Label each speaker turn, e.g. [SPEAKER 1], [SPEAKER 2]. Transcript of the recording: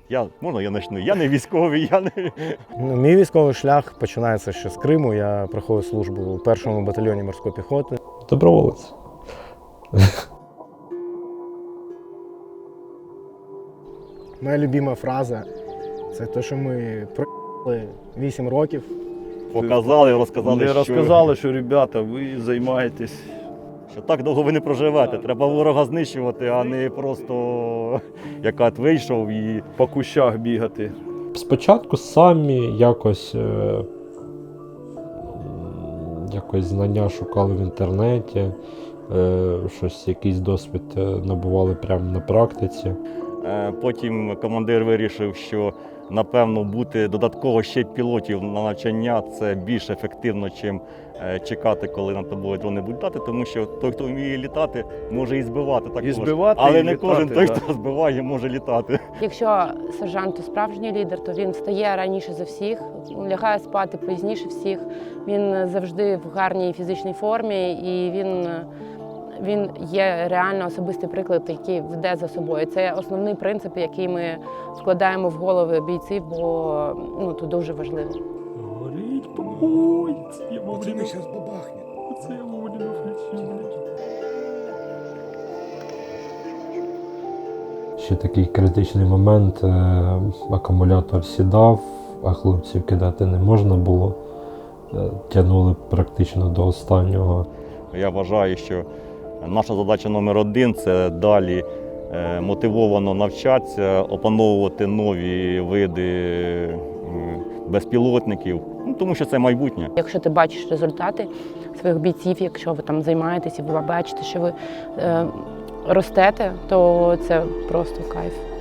[SPEAKER 1] Можна я почну? Я не військовий, я не...
[SPEAKER 2] Мій військовий шлях починається ще з Криму. Я проходив службу у 1-му батальйоні морської піхоти.
[SPEAKER 3] Доброволець.
[SPEAKER 2] Моя любима фраза – це те, що ми проїхали 8 років.
[SPEAKER 1] Показали, розказали,
[SPEAKER 4] Вони розказали, що ребята, ви займаєтесь.
[SPEAKER 1] що так довго ви не проживете. Треба ворога знищувати, а не просто як от вийшов і...
[SPEAKER 4] По кущах бігати.
[SPEAKER 3] Спочатку самі якось знання шукали в інтернеті, якийсь досвід набували прямо на практиці.
[SPEAKER 1] Потім командир вирішив, що, напевно, бути додатково ще пілотів на навчання – це більш ефективно, чим чекати, коли над тобою дрони будуть літати, тому що той, хто вміє літати, може і збивати також.
[SPEAKER 4] І збивати,
[SPEAKER 1] але
[SPEAKER 4] і
[SPEAKER 1] не
[SPEAKER 4] літати,
[SPEAKER 1] кожен той,
[SPEAKER 4] да.
[SPEAKER 1] хто збиває, може літати.
[SPEAKER 5] Якщо сержант справжній лідер, то він встає раніше за всіх, лягає спати пізніше всіх, він завжди в гарній фізичній формі і він є реально особистий приклад, який веде за собою. Це основний принцип, який ми вкладаємо в голови бійців, бо це дуже важливо.
[SPEAKER 4] Горіть, помойтесь, я
[SPEAKER 2] Оце ми зараз бабахне.
[SPEAKER 4] Оце я Воводіну включу.
[SPEAKER 3] Ще такий критичний момент, акумулятор сідав, а хлопців кидати не можна було. Тягнули практично до останнього.
[SPEAKER 1] Я вважаю, що наша задача номер один – це далі мотивовано навчатися, опановувати нові види безпілотників, тому що це майбутнє.
[SPEAKER 5] Якщо ти бачиш результати своїх бійців, якщо ви там займаєтесь і ви бачите, що ви ростете, то це просто кайф.